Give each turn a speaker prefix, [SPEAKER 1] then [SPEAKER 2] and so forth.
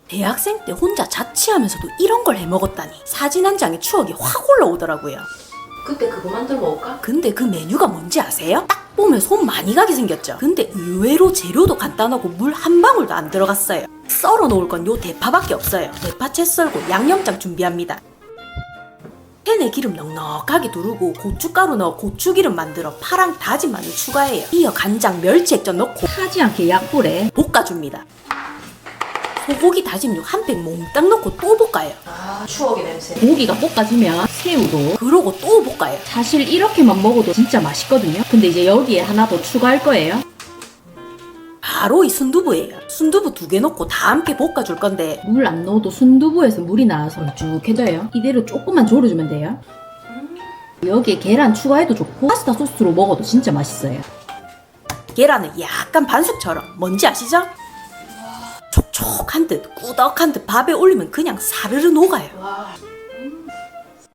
[SPEAKER 1] 대학생 때 혼자 자취하면서도 이런 걸 해먹었다니 사진 한 장에 추억이 확 올라오더라고요.
[SPEAKER 2] 그때 그거 만들어 먹을까?
[SPEAKER 1] 근데 그 메뉴가 뭔지 아세요? 딱 보면 손 많이 가게 생겼죠? 근데 의외로 재료도 간단하고 물 한 방울도 안 들어갔어요. 썰어 놓을 건 요 대파밖에 없어요. 대파 채 썰고 양념장 준비합니다. 팬에 기름 넉넉하게 두르고 고춧가루 넣어 고추기름 만들어 파랑 다진 마늘 추가해요. 이어 간장, 멸치 액젓 넣고
[SPEAKER 2] 타지 않게 약불에.
[SPEAKER 1] 볶아줍니다. 소고기 다짐육 한 팩 몽땅 넣고 또 볶아요.
[SPEAKER 2] 아, 추억의 냄새. 고기가 볶아지면 새우도.
[SPEAKER 1] 그러고 또 볶아요.
[SPEAKER 2] 사실 이렇게만 먹어도 진짜 맛있거든요. 근데 이제 여기에 하나 더 추가할 거예요.
[SPEAKER 1] 바로 이 순두부예요. 순두부 2개 넣고 다 함께 볶아줄 건데
[SPEAKER 2] 물 안 넣어도 순두부에서 물이 나와서 걸쭉해져요. 이대로 조금만 졸여주면 돼요. 여기에 계란 추가해도 좋고 파스타 소스로 먹어도 진짜 맛있어요.
[SPEAKER 1] 계란은 약간 반숙처럼 뭔지 아시죠? 촉촉한 듯 꾸덕한 듯 밥에 올리면 그냥 사르르 녹아요.